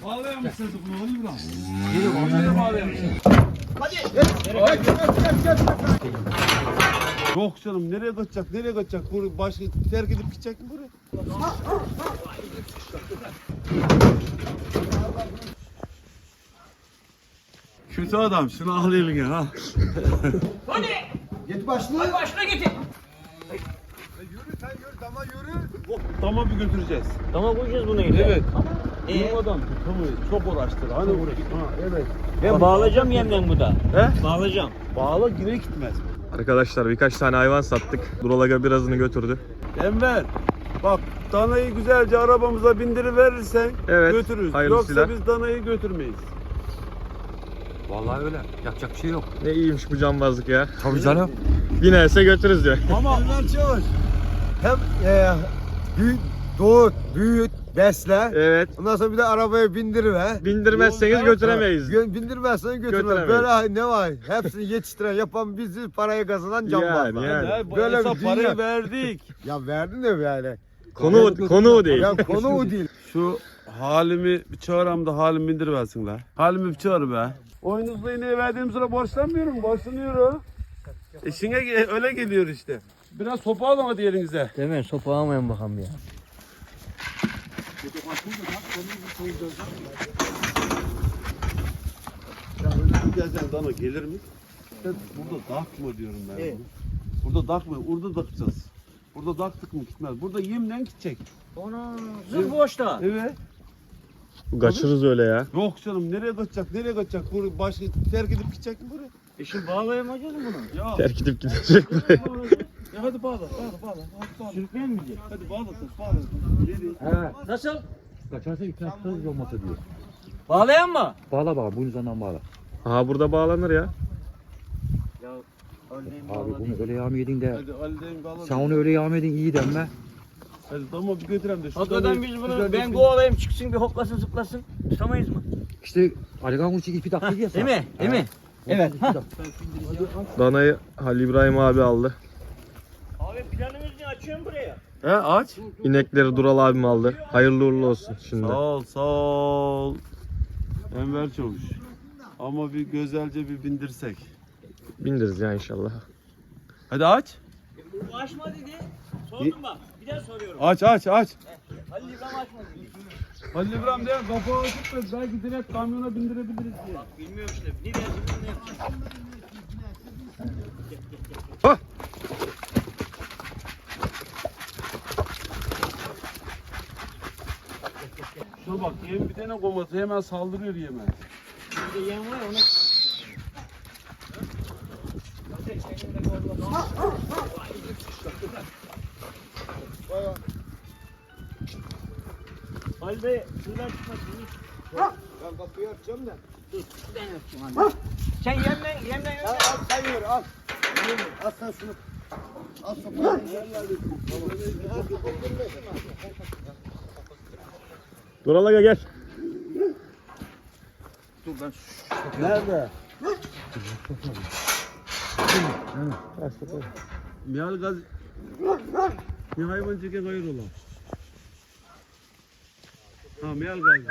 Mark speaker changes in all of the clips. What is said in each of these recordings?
Speaker 1: Bağlayamışsınız bunu Ali İbrahim. Nereye bağlayamışsınız?
Speaker 2: Hadi.
Speaker 1: Gel. Yok canım nereye kaçacak? Nereye kaçacak? Burayı başka terk edip gidecek mi buraya? Kötü adam şunu al eline ha.
Speaker 2: Hadi.
Speaker 3: Git başla.
Speaker 2: Hadi başına getir.
Speaker 3: Yürü sen yürü dama yürü.
Speaker 1: Dama bir götüreceğiz.
Speaker 2: Tamam koyacağız bunu yine.
Speaker 1: Evet. Durmadan tutamayız. Çok uğraştır. Hani evet.
Speaker 2: Ben bağlayacağım yemden bu da.
Speaker 1: He?
Speaker 2: Bağlayacağım.
Speaker 1: Bağla yine gitmez.
Speaker 4: Arkadaşlar birkaç tane hayvan sattık. Duralaga birazını götürdü.
Speaker 1: Enver. Bak danayı güzelce arabamıza bindiriverirsen
Speaker 4: Evet,
Speaker 1: götürürüz.
Speaker 4: hayırlısıyla.
Speaker 1: Yoksa biz danayı götürmeyiz.
Speaker 5: Vallahi öyle. Yapacak bir şey yok.
Speaker 4: Ne iyiymiş bu cambazlık ya.
Speaker 5: Tabii canım.
Speaker 4: Binerse götürürüz diyor.
Speaker 3: Ama Ömer Çavuş hem doğut, büyüt, besle.
Speaker 4: Evet.
Speaker 3: Ondan sonra bir de arabaya bindiriver.
Speaker 4: Bindirmezseniz götüremeyiz.
Speaker 3: Bindirmezsen götürmez.
Speaker 4: Götüremeyiz.
Speaker 3: Böyle ne var? Hepsini yetiştiren yapan bizi parayı kazanan cambazlar.
Speaker 4: Yani.
Speaker 1: Ya,
Speaker 3: Böyle
Speaker 1: hesap
Speaker 3: bir dünya.
Speaker 1: parayı verdik.
Speaker 3: Ya verdin de yani.
Speaker 4: Konu o değil.
Speaker 3: Ya konu o değil.
Speaker 1: Şu halimi bir çağıram da halimi bindiriversin la. Halimi bir çağır be. Oyunuzla yine verdiğim sıra borçlanmıyorum. Borçlanıyorum. İşine öyle geliyor işte. Biraz sopa alın hadi elinize.
Speaker 2: Değil mi? Sopa almayın bakalım ya.
Speaker 1: Ya öyle bir gezen dana gelir mi? İşte burada dakma diyorum ben.
Speaker 2: Evet.
Speaker 1: Burada dakma, orada dakacağız. Burada daktık mı gitmez. Burada yemden gidecek.
Speaker 2: Ona zır boşta.
Speaker 1: Evet.
Speaker 4: Kaçırırız öyle ya.
Speaker 1: Yok canım nereye kaçacak? Nereye kaçacak? Burayı başka terk edip gidecek mi buraya?
Speaker 2: Şimdi bağlayamayacağız mı bunu?
Speaker 1: Ya.
Speaker 4: Terk edip gidecek buraya.
Speaker 1: Ya hadi bağla. Hadi bağla.
Speaker 2: Sürükleyen mi diyecek?
Speaker 1: Hadi bağla. Bağla. Nereye?
Speaker 2: Nasıl?
Speaker 5: Kaçarsa ikna tutarız olmasa diyor.
Speaker 2: Bağlayan mı?
Speaker 5: Bağla bağla. Bunun üzerinden bağla.
Speaker 4: Aha burada bağlanır ya.
Speaker 2: Ya örneğin
Speaker 5: Abi
Speaker 2: bağla
Speaker 5: bunu
Speaker 2: değil.
Speaker 5: öyle yağmı yedin de.
Speaker 1: Hadi Ali'den bağla.
Speaker 5: Sen onu öyle yağmı yedin iyi denme.
Speaker 1: Hadi tamam bir götürem de. şu
Speaker 2: Hakikaten
Speaker 1: danayı-
Speaker 2: biz
Speaker 1: şu
Speaker 2: bunu
Speaker 1: danayı-
Speaker 2: ben kovalayayım çıksın bir hoplasın zıplasın. Tutamayız mı?
Speaker 5: İşte Aligan Uçuk ipi taktı ya.
Speaker 2: Değil mi? Değil mi? Evet.
Speaker 4: Danayı Halil İbrahim abi aldı.
Speaker 2: Abi planımız ne? Açıyorum buraya.
Speaker 1: He aç.
Speaker 4: İnekleri Dural abim aldı. Hayırlı uğurlu olsun şimdi.
Speaker 1: Sağ ol. Enver Çavuş. Ama bir güzelce bir bindirsek.
Speaker 4: Bindiririz ya inşallah.
Speaker 1: Hadi aç.
Speaker 2: Bu açma dedi. Sordum bak. Bir daha soruyorum.
Speaker 1: Aç.
Speaker 2: Halil İbrahim açmadı dedi.
Speaker 1: Halil İbrahim diye kapağı açıp da belki direkt kamyona bindirebiliriz diye.
Speaker 2: Bak bilmiyorum işte. Ne dersin bunu yapacağım.
Speaker 1: Şuna bak yem bir tane koması hemen saldırıyor yeme.
Speaker 2: Bir de yem var ya ona. Halil Bey şuradan çıkmasın.
Speaker 3: Ben kapıyı açacağım da.
Speaker 2: Dur şuradan yapacağım Halil. Sen yemden yok.
Speaker 3: Al sen yürü al. Al sen şunu. Al sopayı.
Speaker 4: Duralaga gel.
Speaker 3: Nerede?
Speaker 1: Mihal gaz... Bir hayvan çeke hayır ola. Ha mihal gaz.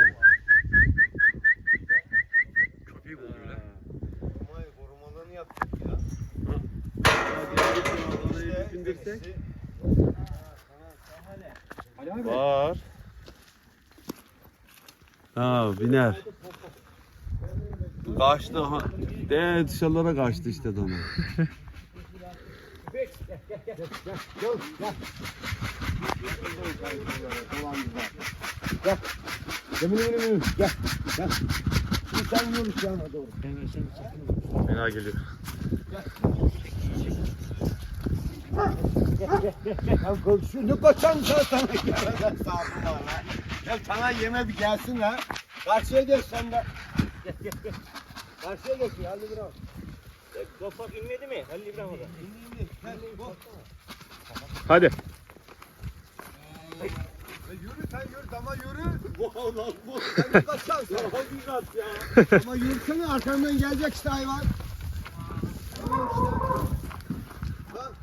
Speaker 5: Köpeği kovuyor lan.
Speaker 3: Korumalarını yaptık ya.
Speaker 1: Hadi bindirsek. Var. Ha biner. Kaçtı ha. De dışarılara kaçtı işte dana.
Speaker 3: Yemin. Gel. Şimdi sen yürü yana doğru.
Speaker 4: Fena geliyor.
Speaker 3: Ya şunu kaçan sana gelmez sağlıklar lan. Ya sana yeme bir gelsin lan. Karşıya geç sen de. Gel. Karşıya geç ya Ali Bravo.
Speaker 2: Kapak inmedi mi? Halil İbrahim orada.
Speaker 4: Hadi.
Speaker 3: Yürü sen yürü dama yürü. Sen kaçan sen. Ama yürüsene arkamdan gelecek işte hayvan. Tamam işte. Bak.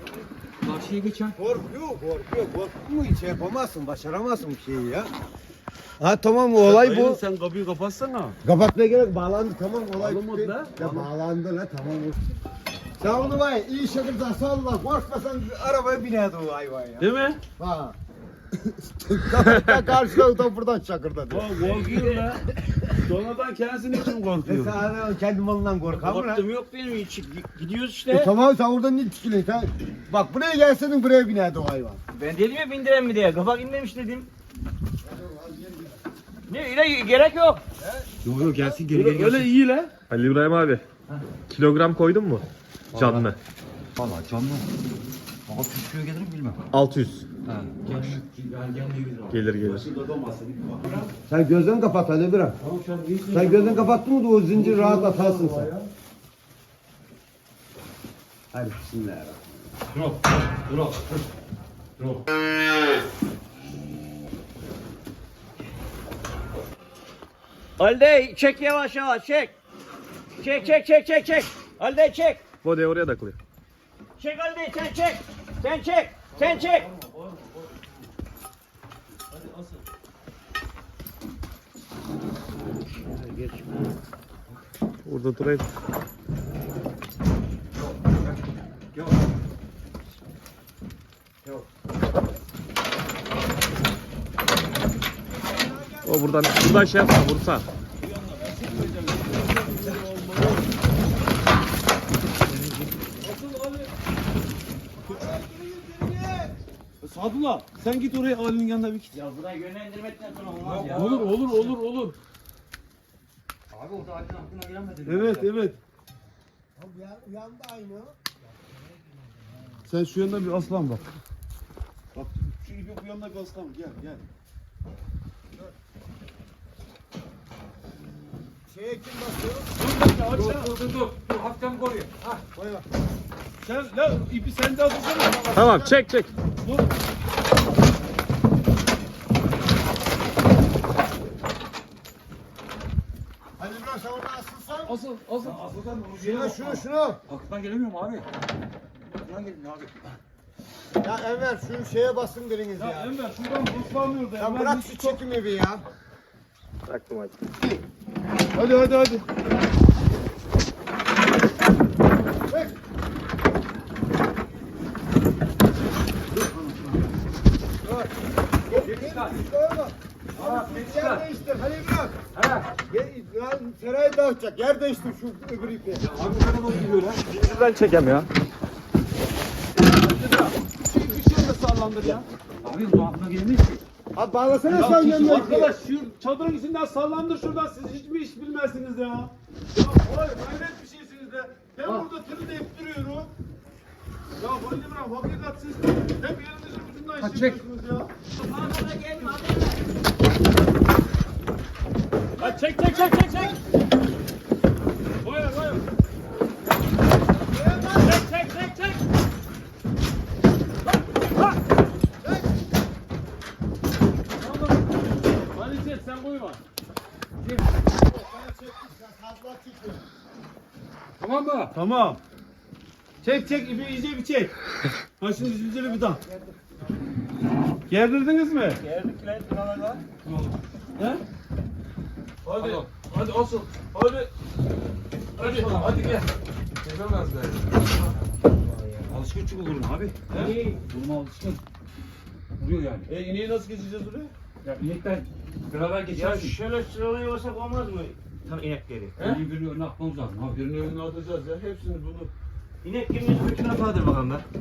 Speaker 5: Karşıya geçen.
Speaker 3: Korkuyor. Korkuyor hiç yapamazsın, başaramazsın bir şeyi ya. Ha tamam olay
Speaker 1: Dayı,
Speaker 3: bu.
Speaker 1: sen kapıyı kapatsana.
Speaker 3: Kapatmaya gerek bağlandı tamam olay
Speaker 1: Bağlamadı
Speaker 3: bitti.
Speaker 1: la.
Speaker 3: Ya bağlandı la tamam. Sen onu var ya iyi şakırdan salla korkmasan arabaya binerdi o hayvan ya.
Speaker 1: Değil mi?
Speaker 3: Ha. Kapıdan karşıdan da buradan şakırdadı.
Speaker 1: O korkuyor la. Sonradan kendisinin için korkuyor.
Speaker 3: Sen kendi malından korkar mı lan?
Speaker 2: Korktum yok benim hiç. Gidiyoruz işte.
Speaker 3: Tamam sen oradan ne tikiliyorsun sen? Bak buraya gelseydin buraya binerdi o hayvan.
Speaker 2: Ben dedim ya bindiren mi diye. Kafa inmemiş dedim. Ne öyle gerek yok.
Speaker 5: Yok yok gelsin geri
Speaker 1: Öyle,
Speaker 5: geri gelsin.
Speaker 1: öyle iyi la.
Speaker 4: Ali İbrahim abi. Kilogram koydun mu? Canlı.
Speaker 5: Valla canlı. 600 kilo gelir mi bilmem.
Speaker 4: 600.
Speaker 5: Ha.
Speaker 4: Gelir gelir.
Speaker 3: Sen gözlerini kapat hadi bırak. Sen gözlerini kapattın mı da o zincir rahat atarsın sen. Hadi bismillahirrahmanirrahim.
Speaker 2: Halide çek yavaş yavaş çek. Çek. Halide çek.
Speaker 4: Bode oraya takılıyor.
Speaker 2: Çek Halide sen çek. Sen çek.
Speaker 4: Burada durayım. O buradan şey yapma vursa.
Speaker 1: Sadullah sen git oraya Ali'nin yanına bir git.
Speaker 2: Ya burayı yönlendirmekten sonra olmaz ya.
Speaker 1: Olur.
Speaker 5: Abi orada Ali'nin aklına gelemedi.
Speaker 1: Evet.
Speaker 3: Yandı aynı.
Speaker 1: Sen şu yanına bir aslan bak. Bak şu ipi bu yanına bir aslan gel.
Speaker 3: Şeye kim basıyor?
Speaker 5: Dur. Hafiften koruyor.
Speaker 1: Sen la ipi sende atsana.
Speaker 4: Tamam çek.
Speaker 3: Hadi biraz sen orada asılsan.
Speaker 1: Asıl.
Speaker 3: Şunu.
Speaker 5: Aklından gelemiyorum abi. Aklından gelmiyor abi.
Speaker 3: Ya Enver şu şeye basın biriniz
Speaker 1: Ya
Speaker 3: ya.
Speaker 1: Enver şuradan ıslanmıyor da.
Speaker 3: Ya bırak şu çekimi bir ya.
Speaker 4: Bıraktım hadi.
Speaker 1: Hadi.
Speaker 3: Yer değiştir. Hadi bırak. Lan serayı dağıtacak. Yer değiştir şu öbür ipi.
Speaker 4: Şuradan çekem ya.
Speaker 1: Bir şey de sallandır ya.
Speaker 5: Abi bu aklına gelemiyor ki.
Speaker 3: Abi bağlasana sen yanına ipi.
Speaker 1: Arkadaş şu çadırın içinden sallandır şuradan siz hiç mi iş bilmezsiniz ya. Ya vay hayret bir şeysiniz de. Ben burada tırı deyip duruyorum. Ya Halil İbrahim hakikat siz hep yerinizin ucundan iş yapıyorsunuz ya. Hadi çek. Buyur. Çek. Hadi çek sen buyurma.
Speaker 5: Tamam mı?
Speaker 1: Tamam. Çek ipi iyice bir çek. Ha şimdi zinciri bir daha. Gerdirdiniz mi?
Speaker 2: Geldik lan buralarda.
Speaker 1: He? Hadi asıl. Hadi gel.
Speaker 5: Alışkın çünkü vururum abi. Vurma alışkın. Vuruyor yani.
Speaker 1: İneği nasıl geçeceğiz oraya?
Speaker 5: Ya inekten beraber
Speaker 2: Ya
Speaker 5: geçersin.
Speaker 2: şöyle sıralıyorsak olmaz mı? Tam inekleri.
Speaker 5: Birini önüne atmamız lazım abi.
Speaker 1: Birinin önüne atacağız ya hepsini bunu.
Speaker 2: İnek kiminin bütün afadır bakalım ben.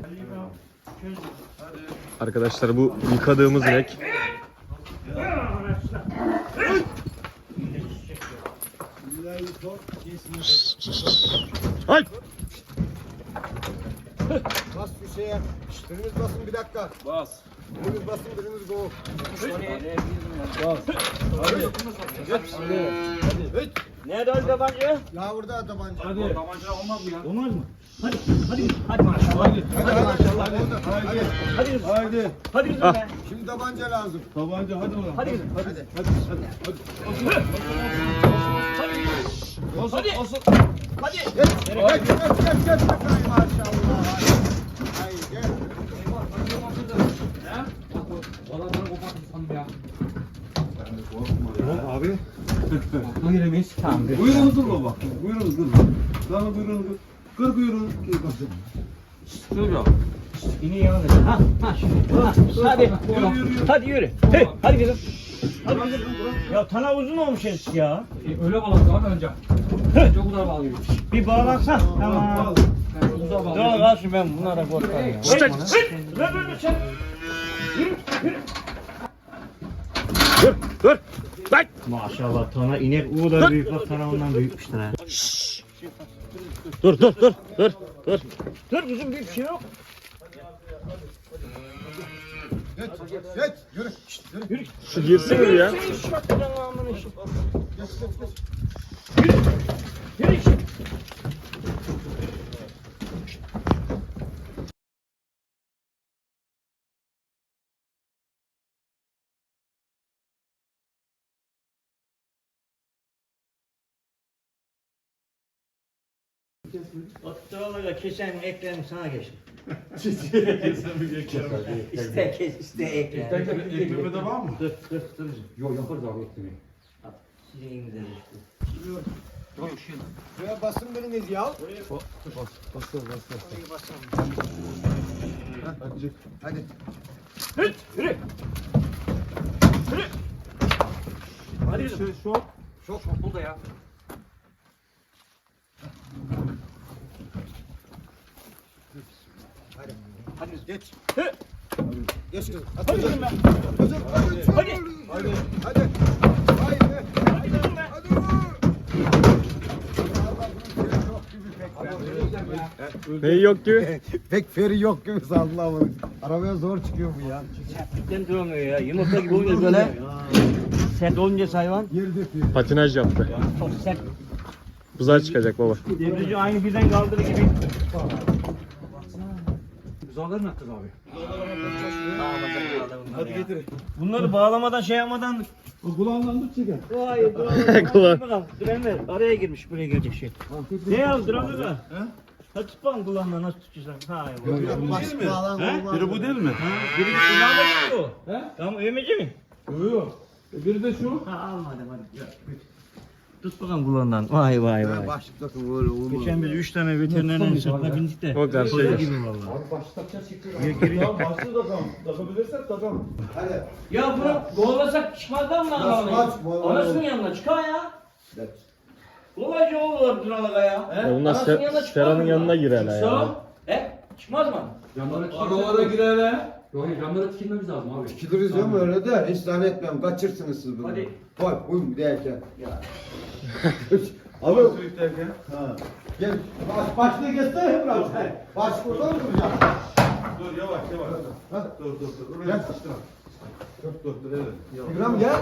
Speaker 4: Arkadaşlar bu yıkadığımız inek. Ay!
Speaker 3: Bas bir şeye. Biriniz basın bir dakika.
Speaker 1: Bas.
Speaker 3: Biriniz basın biriniz go.
Speaker 2: Nerede o tabanca?
Speaker 3: Ya burada tabanca.
Speaker 1: Hadi.
Speaker 5: Tabanca olmaz mı ya?
Speaker 2: Olmaz mı? Hadi maşallah.
Speaker 1: Hadi.
Speaker 2: Hadi kızım.
Speaker 1: Haydi.
Speaker 2: Hadi kızım be.
Speaker 3: Şimdi tabanca lazım.
Speaker 1: Tabanca hadi oğlum.
Speaker 2: Hadi kızım.
Speaker 3: Hadi.
Speaker 1: Asıl.
Speaker 2: Hadi.
Speaker 3: Geç. Maşallah. Ay gel.
Speaker 5: Valla bana koparttı sandım ya.
Speaker 3: Abi.
Speaker 5: Akla giremeyiz. Tamam.
Speaker 1: Buyurun dur baba. Buyurun dur. Lan buyurun dur. Kır buyurun. Şöyle yap.
Speaker 2: İni yana ver. Ha şimdi. Ha, hadi. Hadi yürü. Hey, hadi kızım. Hadi kızım. Ya tana uzun olmuş eski ya.
Speaker 5: Öyle bağladık abi önce. Önce bu kadar bağlıyoruz.
Speaker 2: Bir bağlansan. Tamam.
Speaker 5: Bu da bağlıyoruz.
Speaker 2: Dur kalsın ben bunlara korkarım ya.
Speaker 4: Çık.
Speaker 2: Dur sen.
Speaker 4: Dur. Lan.
Speaker 2: Maşallah tana inek o da büyük bak tana ondan büyükmüştür ha.
Speaker 4: Dur.
Speaker 2: Dur kızım bir şey yok.
Speaker 3: Geç. Yürü.
Speaker 4: Şu girsin mi ya?
Speaker 2: Yürü. Oturalaga kesen eklerim sana geçin. İste kes, iste ekle.
Speaker 1: Ekmeğe de var mı?
Speaker 2: Dur.
Speaker 5: Yok yaparız abi ekmeği.
Speaker 2: Sileyim de işte.
Speaker 3: Şuraya basın biriniz ya. Hadi.
Speaker 2: Yürü. Hadi kızım.
Speaker 5: Çok burada ya.
Speaker 3: Hadi geç.
Speaker 2: Hı.
Speaker 3: Geç kızım.
Speaker 2: Hadi kızım ben.
Speaker 3: Kızım hadi.
Speaker 2: Hadi.
Speaker 3: Hadi. Hadi. Haydi.
Speaker 2: Hadi kızım ben.
Speaker 3: Hadi.
Speaker 4: Neyi yok ki?
Speaker 3: Pek feri yok gibi saldı ama. Arabaya zor çıkıyor bu ya.
Speaker 2: Sertlikten duramıyor ya. Yumurta gibi oluyor böyle. Sert olunca hayvan.
Speaker 3: Yer döküyor.
Speaker 4: Patinaj yaptı.
Speaker 2: Çok sert.
Speaker 4: Buzağa çıkacak baba.
Speaker 2: Debrici aynı birden kaldırı gibi.
Speaker 5: Buzağları ne yapacağız abi?
Speaker 2: Hadi getir. Bunları bağlamadan şey yapmadan.
Speaker 1: Kulağından tut çeker.
Speaker 2: Hayır
Speaker 4: Kulağım.
Speaker 2: Dur Enver araya girmiş buraya girecek şey. Ne ya duramıyor da. Ha tut bakalım kulağından nasıl tutacaksın? Hayır.
Speaker 3: Baş bağlan olmaz.
Speaker 1: Biri bu değil mi?
Speaker 2: Biri kulağına gitti o. Tamam övmeci mi?
Speaker 1: Yok. Biri de şu.
Speaker 2: Ha almadım hadi. Tut bakalım kulağından. Vay.
Speaker 3: Başlıkta böyle olmaz.
Speaker 2: Geçen biz 3 tane veterinerlerin sırtına bindik de.
Speaker 4: O karşıya
Speaker 2: Koca
Speaker 4: gir.
Speaker 2: gibi valla.
Speaker 5: Abi başta takacağız çekiyor.
Speaker 1: Ya başlı takalım. Takabilirsek takalım.
Speaker 3: Hadi.
Speaker 2: Ya bunu kovalasak çıkmazdan mı lan?
Speaker 3: Kaç,
Speaker 2: Anasının yanına çıkar ya.
Speaker 3: Evet.
Speaker 2: Kolayca olur Duralık'a ya.
Speaker 4: Onlar
Speaker 2: Anasının yanına çıkmaz
Speaker 4: Sera'nın
Speaker 2: mı?
Speaker 4: yanına girer ha ya.
Speaker 2: Çıksa, çıkmaz mı?
Speaker 5: Camlara
Speaker 1: Aralara girer he.
Speaker 5: Yok camlara tikilmemiz lazım abi.
Speaker 3: Gidiriz ya mı öyle de hiç zannetmiyorum. Kaçırsınız siz bunu.
Speaker 2: Hadi.
Speaker 3: Koy uyum derken.
Speaker 2: Ya.
Speaker 3: Abi
Speaker 1: Büyük derken.
Speaker 3: ha. Gel başlığı geçsene biraz sen. Baş buradan mı duracak?
Speaker 1: Dur yavaş.
Speaker 3: Hadi.
Speaker 1: Dur. Oraya
Speaker 3: Gel.
Speaker 1: sıçtın. Dur evet. Yavaş.
Speaker 3: İbrahim gel.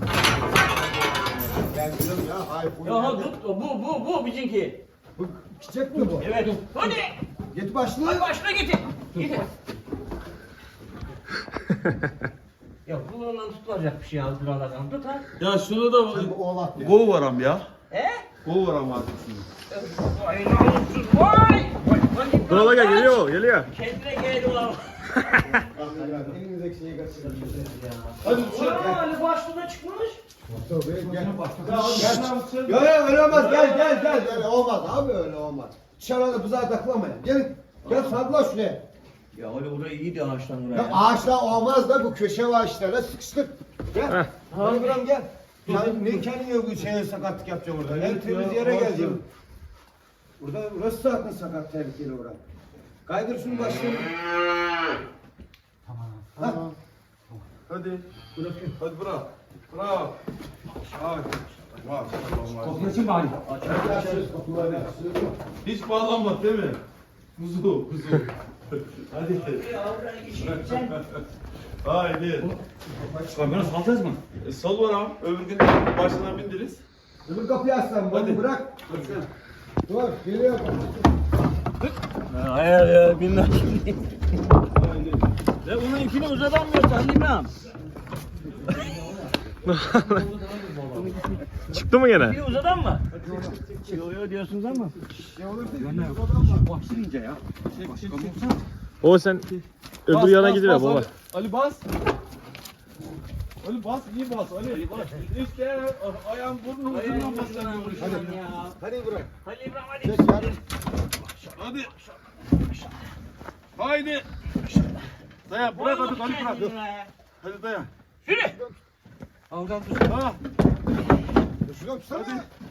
Speaker 3: Gel kızım ya. Hayır.
Speaker 2: Ya ha, bu bizimki.
Speaker 3: Bu çiçek mi bu?
Speaker 2: Evet. Hadi.
Speaker 3: Git başlığı.
Speaker 2: Hadi başına getir. Getir. Ya kulağından tutulacak bir şey al Duralık'tan. Tut ha.
Speaker 1: Ya şunu da
Speaker 3: Bu oğlak ya.
Speaker 1: gol varam ya.
Speaker 2: He?
Speaker 1: Gol varam artık şunu.
Speaker 2: Vay namussuz vay.
Speaker 4: Duralık'a geliyor.
Speaker 2: Kendine geldi ulan.
Speaker 3: Elinizdeki şeyi kaçırın.
Speaker 1: Hadi
Speaker 2: Ulan Ali başlığına çıkmış.
Speaker 3: Gel.
Speaker 1: Gel.
Speaker 3: Ya öyle olmaz. Gel. Öyle olmaz abi öyle olmaz. Dışarıda buzağa takılamayın. Gelin. Gel sarıla şuraya.
Speaker 2: Ya öyle oraya iyiydi ağaçtan buraya.
Speaker 3: Ya ağaçlar olmaz da bu köşe ağaçlarına sıkıştık. Gel. Hadi İbrahim gel. Ya ne kendine bu şeye sakatlık yapacağım orada. En temiz yere geleceğim. Burada burası zaten sakat tehlikeli orada. Kaydır şunu başlayalım. Tamam.
Speaker 1: Hadi. Hadi bırak. Hadi.
Speaker 5: Kapıyı açın bari.
Speaker 1: Hiç bağlanma değil mi? Kuzu. Hadi. Haydi.
Speaker 5: Kamyona salacağız mı?
Speaker 1: Sal varam. Öbür gün başına bindiriz.
Speaker 3: Öbür kapıyı açsam bunu
Speaker 1: Hadi.
Speaker 3: bırak. Dur geliyor.
Speaker 2: Hayır ya bilmem şimdi. Ve bunun ipini uzatamıyorsan bilmem.
Speaker 4: Çıktı mı gene?
Speaker 2: İpini uzatan mı? Yo diyorsunuz ama.
Speaker 5: Başlayınca ya.
Speaker 4: O sen öbür yana gidiyor baba.
Speaker 1: Ali bas. Ali bas, iyi bas Ali. İşte ayağın burnun ucundan basamıyoruz.
Speaker 3: Hadi bırak.
Speaker 2: Hadi İbrahim hadi.
Speaker 3: Çek yarın.
Speaker 1: Hadi. Haydi. Dayan bırak hadi Ali bırak. Hadi dayan.
Speaker 2: Yürü.
Speaker 5: Oradan dur.
Speaker 1: Ha.
Speaker 3: Şuna tutsana.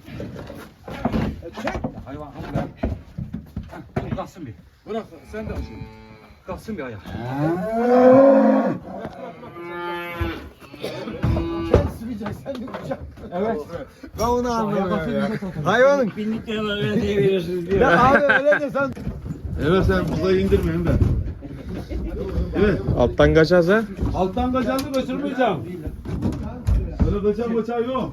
Speaker 5: Hayvan ama ben. Dur kalsın bir.
Speaker 1: Bırak sen de al.
Speaker 5: Kalsın bir ayağa.
Speaker 3: Sen süreceksin, sen de kucak. Evet. Ben onu anlamıyorum ya. Hayvanın.
Speaker 2: Bindiklerine öyle diye veriyorsunuz diyor.
Speaker 3: Ya abi öyle de sen.
Speaker 1: Evet sen buzayı indirmeyin de. Evet.
Speaker 4: Alttan kaçarsa
Speaker 1: Alttan kaçanı kaçırmayacağım. Öyle kaçan bıçağı yok.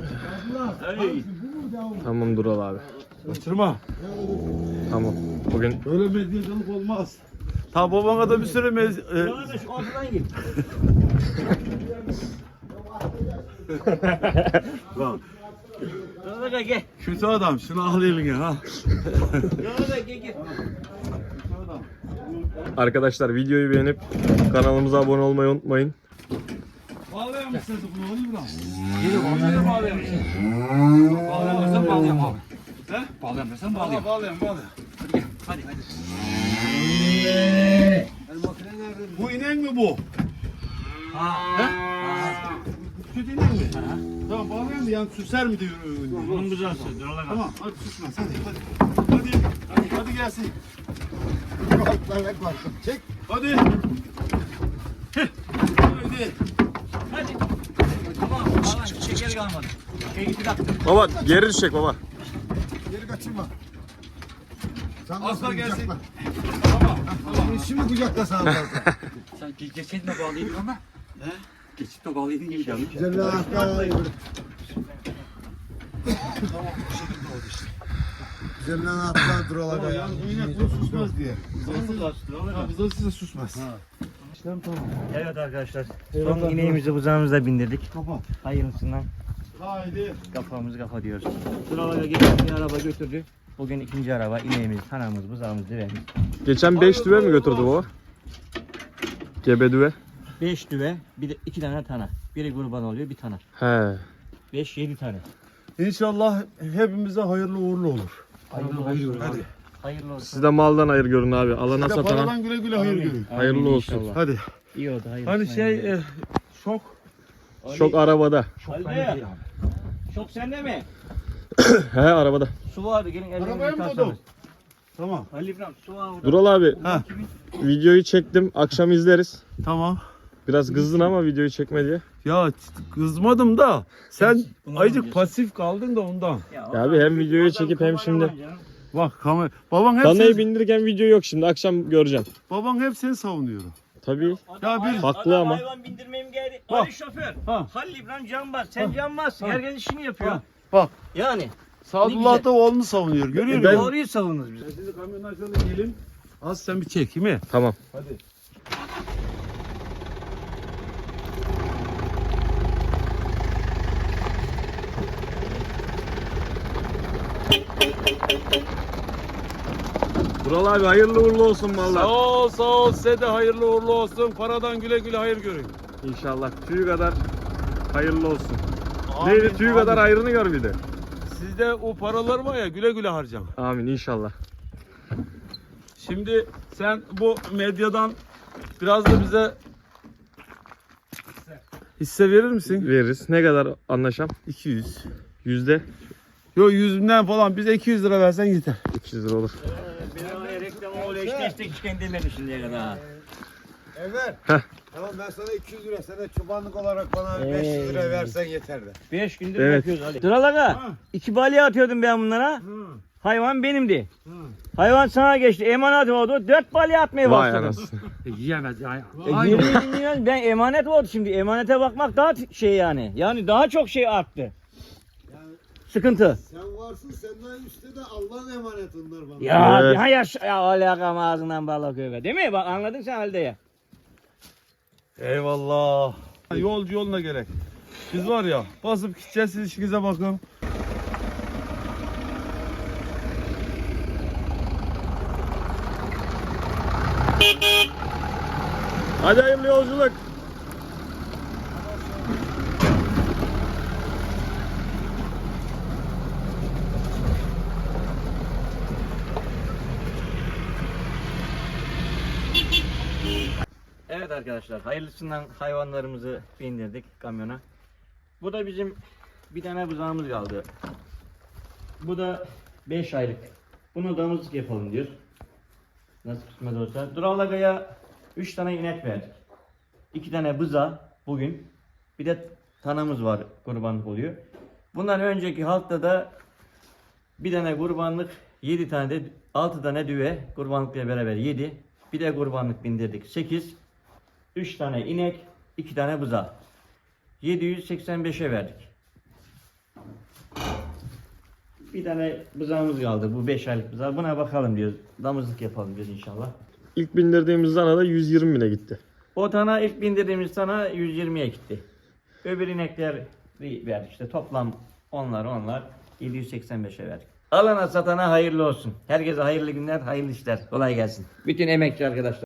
Speaker 4: tamam Dural abi.
Speaker 1: Kaçırma.
Speaker 4: Tamam. Bugün
Speaker 1: Böyle medyacılık olmaz. Ta babana da bir sürü
Speaker 2: Bana da şu ortadan gir.
Speaker 1: Bak.
Speaker 2: Bana da gel.
Speaker 1: Kötü adam şunu al eline ha.
Speaker 2: Bana da gel.
Speaker 4: arkadaşlar videoyu beğenip kanalımıza abone olmayı unutmayın.
Speaker 1: Bağlayamışsın bunu oğlum lan.
Speaker 5: Nereye bağlayamıyorsun? Bağlayamıyorsan bağlayamam abi.
Speaker 1: He?
Speaker 5: Bağlayamıyorsan bağlayamam.
Speaker 1: Bağlayalım.
Speaker 5: Hadi hadi.
Speaker 1: Bu inen mi bu?
Speaker 5: Ha.
Speaker 1: Kötü inen mi? Tamam bağlayalım yani süser mi diyor.
Speaker 2: Bunun güzel söz.
Speaker 1: Tamam hadi susmaz hadi. Hadi gelsin.
Speaker 3: Çek.
Speaker 1: Hadi. Hadi.
Speaker 2: Hadi. Tamam. Tamam. Şekeri kalmadı. Şey gitti kalktı.
Speaker 4: Baba geri düşecek baba.
Speaker 3: Geri kaçırma. Sen
Speaker 1: Asla
Speaker 3: nasıl
Speaker 1: gelsin.
Speaker 3: kucakla?
Speaker 1: Tamam.
Speaker 3: Şimdi kucakla sana fazla.
Speaker 5: Sen geçen de bağlıydın ama. He? Geçip de bağlıydın gibi geldi.
Speaker 3: Güzel anahtar. Güzel anahtar duralar ya.
Speaker 1: Yani bu inek bunu susmaz diye. Bizden size susmaz.
Speaker 2: Evet arkadaşlar. Son ineğimizi buzağımıza bindirdik.
Speaker 1: Kapat.
Speaker 2: Hayırlısından
Speaker 1: Haydi.
Speaker 2: kafamızı kafa diyoruz. Sıralara geçen bir araba götürdü. Bugün ikinci araba ineğimiz, tanamız, buzağımız, düvemiz.
Speaker 4: Geçen 5 düve mi götürdü baba? Gebe düve.
Speaker 2: 5 düve, bir de 2 tane tana. Biri kurban oluyor, bir tana.
Speaker 4: He.
Speaker 2: 5-7 tane.
Speaker 1: İnşallah hepimize hayırlı uğurlu olur.
Speaker 5: Hadi.
Speaker 2: Hayırlı olsun.
Speaker 4: Siz de maldan hayır görün abi. Alana
Speaker 1: Bir de
Speaker 4: satana
Speaker 1: paradan güle güle hayır görün.
Speaker 4: hayırlı
Speaker 2: Amin
Speaker 4: olsun.
Speaker 2: inşallah.
Speaker 1: Hadi.
Speaker 2: İyi oldu, hayırlı
Speaker 1: Hani
Speaker 2: olsun.
Speaker 1: şey şok.
Speaker 4: Çok arabada.
Speaker 2: Halide, çok sende mi?
Speaker 4: He arabada.
Speaker 2: Su vardı, gelin
Speaker 1: Arabaya
Speaker 2: ellerinizi
Speaker 1: mı
Speaker 2: yıkarsanız.
Speaker 1: koydun? Tamam.
Speaker 2: Halil İbrahim, su var orada.
Speaker 4: Dural abi videoyu çektim. Akşam izleriz.
Speaker 1: Tamam.
Speaker 4: Biraz kızdın ama videoyu çekme diye.
Speaker 1: Ya kızmadım da sen
Speaker 2: Bunu
Speaker 1: ayıcık
Speaker 2: alacağız.
Speaker 1: pasif kaldın da ondan.
Speaker 4: Ya abi hem videoyu çekip hem şimdi.
Speaker 1: Bak kamera. Baban hep
Speaker 4: Danayı
Speaker 1: seni,
Speaker 4: bindirirken video yok şimdi. Akşam göreceğim.
Speaker 1: baban hep seni savunuyor.
Speaker 4: Tabii.
Speaker 1: Ya bir
Speaker 4: Haklı ama.
Speaker 2: Hayvan bindirmeyim geldi.
Speaker 1: Bak.
Speaker 2: Ali şoför.
Speaker 1: Ha.
Speaker 2: Halil İbrahim cambaz. Sen cambazsın. Herkes işini yapıyor.
Speaker 1: Ha. Bak.
Speaker 2: Yani.
Speaker 1: Sadullah da oğlunu savunuyor. Görüyor
Speaker 4: Ben-
Speaker 1: musun?
Speaker 2: Doğruyu savunuz biz.
Speaker 1: Şimdi kamyonu açalım gelin. Az sen bir çek mi?
Speaker 4: Tamam.
Speaker 1: Hadi.
Speaker 4: Dural abi hayırlı uğurlu olsun
Speaker 1: Sağ
Speaker 4: vallahi.
Speaker 1: ol sağ ol size de hayırlı uğurlu olsun. Paradan güle güle hayır görün.
Speaker 4: İnşallah tüyü kadar hayırlı olsun.
Speaker 1: Amin,
Speaker 4: Neydi tüyü
Speaker 1: amin.
Speaker 4: kadar hayrını gör bir de.
Speaker 1: Sizde o paralar var ya güle güle harcam.
Speaker 4: Amin inşallah.
Speaker 1: Şimdi sen bu medyadan biraz da bize hisse verir misin?
Speaker 4: Veririz. Ne kadar anlaşam?
Speaker 1: 200.
Speaker 4: Yüzde
Speaker 1: Yok 100'ünden falan bize 200 lira versen yeter.
Speaker 4: 200 lira olur.
Speaker 2: Bir reklamı oluyor. Hiç destek çıkan demedi şimdiye kadar.
Speaker 3: Enver.
Speaker 4: Heh.
Speaker 3: Tamam ben sana 200 lira, sen de çobanlık olarak bana 500 lira versen yeter de.
Speaker 2: 5 gündür
Speaker 4: Evet.
Speaker 2: yapıyoruz Ali. Duralara. 2 balya atıyordum ben bunlara. Hayvan benimdi. Hayvan sana geçti. Emanet oldu. 4 balya atmaya
Speaker 4: Vay
Speaker 2: başladım.
Speaker 4: anasını.
Speaker 5: Yiyemez ya.
Speaker 2: Geri dinliyorsun. Ben emanet oldu şimdi. Emanete bakmak daha şey yani. Yani daha çok şey arttı. Sıkıntı.
Speaker 3: Sen varsın, senden üstte de Allah'ın emaneti onlar bana.
Speaker 2: Ya
Speaker 4: Evet.
Speaker 2: daha yaş ya alakam ağzından balık öve. Değil mi? Bak anladın sen halde ya.
Speaker 1: Eyvallah. Yolcu yoluna gerek. Biz var ya basıp gideceğiz siz işinize bakın.
Speaker 4: Hadi hayırlı yolculuk.
Speaker 2: Evet arkadaşlar, hayırlısından hayvanlarımızı bindirdik kamyona. Bu da bizim bir tane buzağımız kaldı. Bu da 5 aylık. Bunu damızlık yapalım diyor. Nasıl kısmet olsa. Duralaga'ya 3 tane inek verdik. 2 tane buza bugün. Bir de tanamız var, kurbanlık oluyor. Bundan önceki haftada bir tane kurbanlık, 7 tane de 6 tane düve kurbanlıkla beraber 7. Bir de kurbanlık bindirdik 8. 3 tane inek, 2 tane buza. 785'e verdik. Bir tane buzağımız kaldı. Bu 5 aylık buzağı. Buna bakalım diyoruz. Damızlık yapalım diyoruz inşallah.
Speaker 4: İlk bindirdiğimiz dana da 120 bine gitti.
Speaker 2: O tane ilk bindirdiğimiz tane 120'ye gitti. Öbür inekler verdik işte. Toplam onlar 785'e verdik. Alana satana hayırlı olsun. Herkese hayırlı günler, hayırlı işler. Kolay gelsin. Bütün emekçi arkadaşlar.